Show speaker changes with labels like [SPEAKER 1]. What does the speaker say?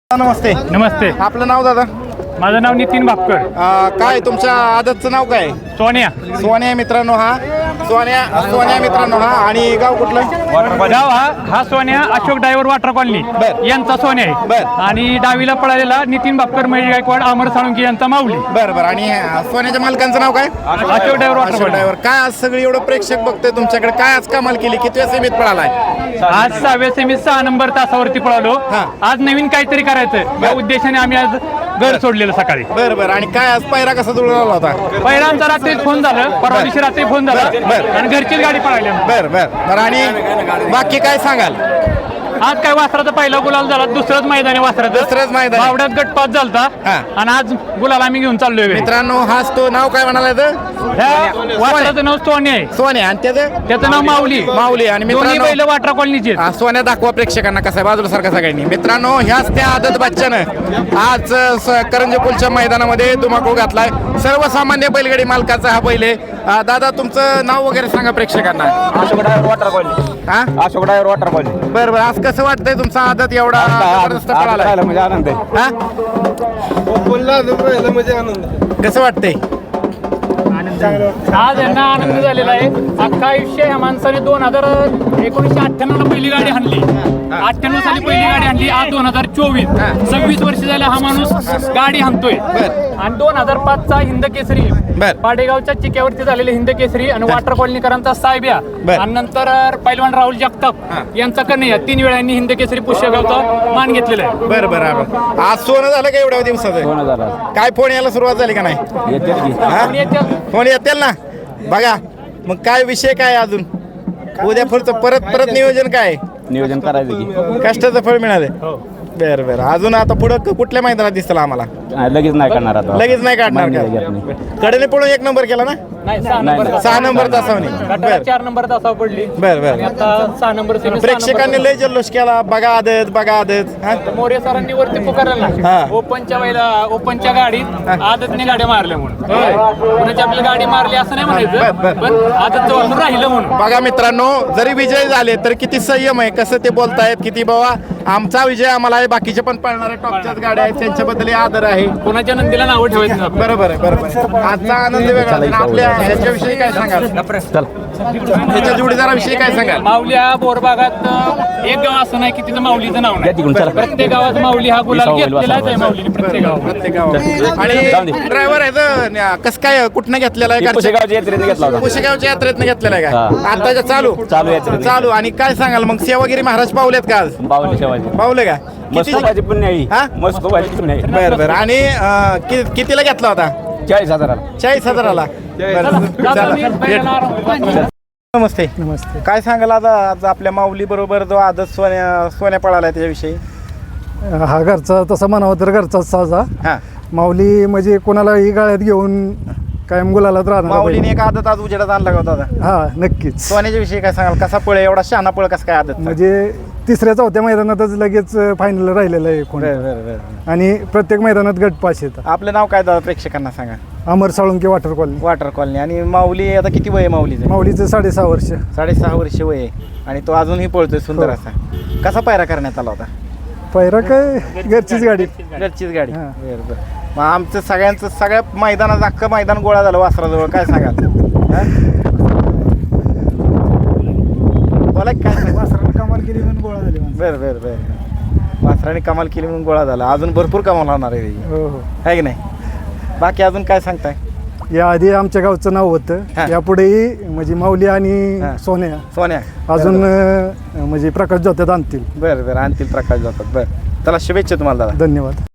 [SPEAKER 1] नमस्ते.
[SPEAKER 2] नमस्ते.
[SPEAKER 1] आपलं नाव दादा?
[SPEAKER 2] माझं नाव नितीन भापकर.
[SPEAKER 1] काय तुमच्या आदतचं नाव काय?
[SPEAKER 2] सोन्या.
[SPEAKER 1] सोन्या मित्रांनो हा सोन्या मित्रांनो हा. आणि गाव कुठलं?
[SPEAKER 2] गाव हा सोन्या अशोक ड्रायव्हर वॉटर कॉलनी
[SPEAKER 1] बर.
[SPEAKER 2] यांचा सोन्या आहे.
[SPEAKER 1] बर.
[SPEAKER 2] आणि डावीला पळालेला नितीन भापकर महेश गायकवाड अमर साळुंके यांचा माऊली.
[SPEAKER 1] बरं बरं. आणि सोन्याच्या मालकांचं नाव काय?
[SPEAKER 2] Ashok driver water colony.
[SPEAKER 1] Driver. काय आज सगळी एवढं प्रेक्षक बघतोय तुमच्याकडे, काय आज कमाल केली? किती सेमीत पळालाय?
[SPEAKER 2] आज 6व्या सेमीत 6 नंबर तासावरती पळालो.
[SPEAKER 1] हा.
[SPEAKER 2] आज नवीन काहीतरी करायचं या उद्देशाने आम्ही आज घर सोडलेलं सकाळी.
[SPEAKER 1] बरं बरं. आणि काय आज पायरा कसा जुळला होता?
[SPEAKER 2] पहिला आमचा रात्री फोन झालं, परवा दिवशी रात्री फोन झाला
[SPEAKER 1] बर.
[SPEAKER 2] आणि घरचीच गाडी पळाली.
[SPEAKER 1] बरं बरं बरं. आणि बाकी काय सांगाल?
[SPEAKER 2] आज काय वासराचा पहिला गुलाल झाला, दुसरंच मैदान आहे वासराचं.
[SPEAKER 1] दुसरंच मैदान.
[SPEAKER 2] बावड्यात गट पास झालता
[SPEAKER 1] हा.
[SPEAKER 2] आणि आज गुलाल आम्ही घेऊन चाललोय घरी.
[SPEAKER 1] मित्रांनो हाच तो नाव काय म्हणाला?
[SPEAKER 2] ह्या वासराचं नाव सोन्या आहे,
[SPEAKER 1] सोन्या. आणि
[SPEAKER 2] त्याचं नाव माऊली.
[SPEAKER 1] माऊली. आणि
[SPEAKER 2] दोन्ही
[SPEAKER 1] मित्रांनो
[SPEAKER 2] बैल वाटरा कॉलनीचे आहेत.
[SPEAKER 1] सोन्या दाखवा प्रेक्षकांना कसा आहे, बाजूला सारखा सगळ्यांनी. मित्रांनो ह्याच त्या आदत बच्चानं आज करंजपूलच्या मैदानामध्ये धुमाकूळ घातलाय. सर्वसामान्य बैलगाडी मालकाचा हा बैल आहे. दादा तुमचं नाव वगैरे सांगा प्रेक्षकांना.
[SPEAKER 3] Ashok driver water colony.
[SPEAKER 1] हा
[SPEAKER 3] अशोक ड्रायव्हर वॉटर कॉलनी.
[SPEAKER 1] बरं बरं. आज कसं वाटतंय तुमचा आदत एवढा जबरदस्त पळालाय?
[SPEAKER 3] म्हणजे आनंद आहे.
[SPEAKER 1] हा
[SPEAKER 3] म्हणजे आनंद.
[SPEAKER 1] कसं वाटतंय?
[SPEAKER 2] आज यांना आनंद झालेला आहे. अख्खा आयुष्य ह्या माणसाने 1998 ला पहिली गाडी आणली, 98 साली पहिली गाडी आणली. आज 2024 26 वर्ष झाले हा माणूस गाडी हाणतोय. आणि 2005 चा हिंद केसरी
[SPEAKER 1] बर.
[SPEAKER 2] पाडेगावच्या चिक्यावरती झालेले हिंद केसरी आणि वॉटर कॉलनीकरांचा साहेब्या
[SPEAKER 1] बर.
[SPEAKER 2] आणि नंतर पैलवान राहुल जगताप यांचा कन्हैया 3 वेळांनी हिंद केसरी पुष्यगावचा मान घेतलेला आहे.
[SPEAKER 1] बरं बरं. आज सोनं झालं का एवढ्या दिवसाचं?
[SPEAKER 3] 2000.
[SPEAKER 1] काय फोन यायला सुरुवात झाली का नाही?
[SPEAKER 3] येते की.
[SPEAKER 1] हा?
[SPEAKER 2] आणि याच्या-
[SPEAKER 1] फोन येतील ना बघा. मग काय विषय काय अजून उद्या पुढचं परत नियोजन काय?
[SPEAKER 3] नियोजन करायचं की.
[SPEAKER 1] कष्टाचं फळ मिळाले. बरं बरं. अजून आता पुढं कुठल्या मैदानात दिसतं आम्हाला?
[SPEAKER 3] लगेच नाही करणार आता.
[SPEAKER 1] लगेच नाही काढणार
[SPEAKER 3] नाही,
[SPEAKER 1] का?
[SPEAKER 3] लगेच नाही.
[SPEAKER 1] कडेने पळून 1 नंबर केला ना?
[SPEAKER 2] नाही, 6 नंबर
[SPEAKER 3] नाही.
[SPEAKER 1] 6 नंबर तासावणी.
[SPEAKER 2] गटाला
[SPEAKER 1] बरं
[SPEAKER 2] 4 नंबर तासावर पडली.
[SPEAKER 1] बरं
[SPEAKER 2] आणि
[SPEAKER 1] बरं.
[SPEAKER 2] आता 6 नंबर सेमी, 6
[SPEAKER 1] प्रेक्षकांनी
[SPEAKER 2] नंबर
[SPEAKER 1] लय जल्लोष केला, बघा आदत बघा आदत. हा?
[SPEAKER 2] मोरे सरांनी वरती पुकारलं
[SPEAKER 1] हा.
[SPEAKER 2] ना ओपनच्या गाडीत आदतने गाड्या मारल्या म्हणून. कुणाची आपली गाडी मारली असं नाही
[SPEAKER 1] बर, बर.
[SPEAKER 2] म्हणायचं, पण आदत वाचून राहिलं म्हणून.
[SPEAKER 1] बघा मित्रांनो, जरी विजय झाले तर किती संयम आहे, कसं ते बोलतायत, किती बाबा आमचा विजय आम्हाला आहे, बाकीचे पण पळणारे टॉपच्याच गाड्या आहेत त्यांच्याबद्दल आदर आहे.
[SPEAKER 2] कुणाच्या नंदीला नावं ठेवायचं नाही.
[SPEAKER 1] बरोबर आहे बरोबर आहे. आजचा आनंद वेगळा. आणि आपल्या ह्याच्याविषयी काय सांगाल?
[SPEAKER 3] चल.
[SPEAKER 1] त्याच्या जोडीदाराविषयी काय सांगाल?
[SPEAKER 2] माऊल्या बोरबागात एक गाव असं नाही की तिथं माऊलीचं नाव
[SPEAKER 3] या तिकडून,
[SPEAKER 2] नाही.
[SPEAKER 3] चला.
[SPEAKER 2] प्रत्येक गावात माऊली हा गुलाल
[SPEAKER 3] होईल,
[SPEAKER 2] घेतलेलाच आहे माऊलीने प्रत्येक गावात.
[SPEAKER 1] प्रत्येक गावात.
[SPEAKER 3] जाऊ
[SPEAKER 1] आणि
[SPEAKER 3] दे.
[SPEAKER 1] ड्रायव्हर आहे तर कसं काय कुठनं घेतलेला आहे?
[SPEAKER 3] पुशेगावच्या यात्रेने घेतला होता.
[SPEAKER 1] पुशेगावच्या यात्रेतनं घेतलेला आहे का?
[SPEAKER 3] हा.
[SPEAKER 1] आताच्या चालू
[SPEAKER 3] यात्रेने.
[SPEAKER 1] चालू. आणि काय सांगाल मग, सेवागिरी महाराज पावलेत का आज?
[SPEAKER 3] बावली शेवाची.
[SPEAKER 1] पावले का?
[SPEAKER 3] मस्त भाजी पुण्य आहे.
[SPEAKER 1] हा?
[SPEAKER 3] मस्त भाजी पुण्य आहे.
[SPEAKER 1] बरं बरं. आणि कितीला घेतला होता?
[SPEAKER 3] 40,000.
[SPEAKER 1] 40,000ला.
[SPEAKER 2] जातो मी, बैलाला आराम.
[SPEAKER 1] नमस्ते.
[SPEAKER 4] नमस्ते.
[SPEAKER 1] काय सांगाल आज आपल्या माऊली बरोबर जो आदत सोन्या पळाला त्याच्याविषयी?
[SPEAKER 4] हा घरचा तसा म्हणावा तर घरचाच साजा.
[SPEAKER 1] हा.
[SPEAKER 4] माऊली म्हणजे कोणालाही गाळ्यात घेऊन कायम गुलालात राहणार
[SPEAKER 1] माऊलीने एक आदत आज उजेडात आणला का होता दादा?
[SPEAKER 4] हा नक्कीच.
[SPEAKER 1] सोन्याच्या विषयी काय सांगाल? कसा पळ एवढा शहाणा पळ कसा काय आदत?
[SPEAKER 4] म्हणजे 3ऱ्या-4थ्या मैदानातच लगेच फायनल राहिलेलं आहे कोण.
[SPEAKER 1] बरं बरं बरं.
[SPEAKER 4] आणि प्रत्येक मैदानात गट पास येतात.
[SPEAKER 1] आपलं नाव काय दादा प्रेक्षकांना सांगा?
[SPEAKER 4] Amar Salunke water colony.
[SPEAKER 1] Water colony. आणि माऊली आता किती वय आहे माऊलीचं?
[SPEAKER 4] माऊलीचं 6.5 वर्ष.
[SPEAKER 1] 6.5 वर्ष वय आहे. आणि तो अजूनही पळतोय सुंदर
[SPEAKER 4] हो.
[SPEAKER 1] असा. कसा पायरा करण्यात आला होता?
[SPEAKER 4] पहिरा काय घरचीच गाडी.
[SPEAKER 1] घरचीच गाडी.
[SPEAKER 4] हा.
[SPEAKER 1] बरं बरं. मग आमचं सगळ्या मैदानात अख्खं मैदान गोळा झालं वासराजवळ, काय सांगाल? हा? बोला की काय सांगाल?
[SPEAKER 4] वासरानं कमाल केली म्हणून गोळा झाली माणसं.
[SPEAKER 1] बरं बरं बरं. वासराने कमाल केली म्हणून गोळा झाला. अजून भरपूर कमाल होणार आहे त्याची.
[SPEAKER 4] हो हो.
[SPEAKER 1] आहे की नाही? बाकी अजून काय सांगताय?
[SPEAKER 4] याआधी आमच्या गावचं नाव होतं.
[SPEAKER 1] हा.
[SPEAKER 4] यापुढेही म्हणजे माऊली आणि
[SPEAKER 1] हा.
[SPEAKER 4] सोन्या
[SPEAKER 1] सोन्या
[SPEAKER 4] अजून म्हणजे प्रकाश जोत्यात आणतील.
[SPEAKER 1] बरं बरं. आणतील प्रकाश जातात. बरं चला, शुभेच्छा तुम्हाला दादा.
[SPEAKER 4] धन्यवाद.